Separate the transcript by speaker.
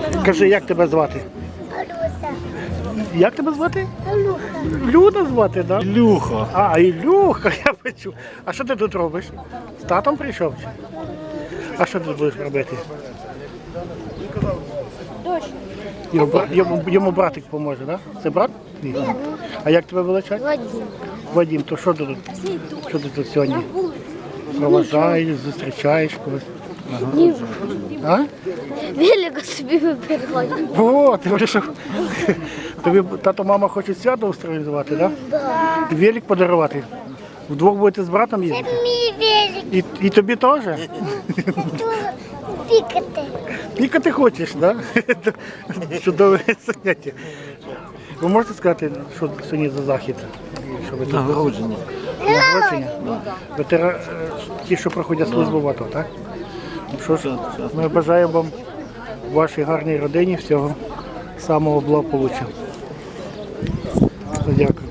Speaker 1: Кажи, як тебе звати?
Speaker 2: Алюся.
Speaker 1: Як тебе звати?
Speaker 2: Алюха.
Speaker 1: Люда звати, так? Да?
Speaker 3: Люха.
Speaker 1: А, Ілюха, я бачу. А що ти тут робиш? З татом прийшов? Чи? А що ти будеш робити? Йому братик поможе, так? Да? Це брат? Ні. А як тебе величать?
Speaker 2: Вадим.
Speaker 1: Вадим, то що ти тут? Що ти тут сьогодні? Проважаєш, зустрічаєш когось? А?
Speaker 2: Велика собі вибирає.
Speaker 1: О, ти вирішив. Тобі тато, мама хочуть свято організувати, так? Да? Велик подарувати. Вдвох будете з братом їздити?
Speaker 2: Мій велик.
Speaker 1: І тобі теж?
Speaker 2: Пікати.
Speaker 1: Пікати хочеш, так? Да? Чудове заняття. Ви можете сказати, що сьогодні за захід? Що ви тут?
Speaker 3: Нагородження.
Speaker 1: Нагородження? Ті, що проходять службу в АТО, так? Ну що ж, ми бажаємо вам в вашій гарній родині всього самого благополуччя. Дякую.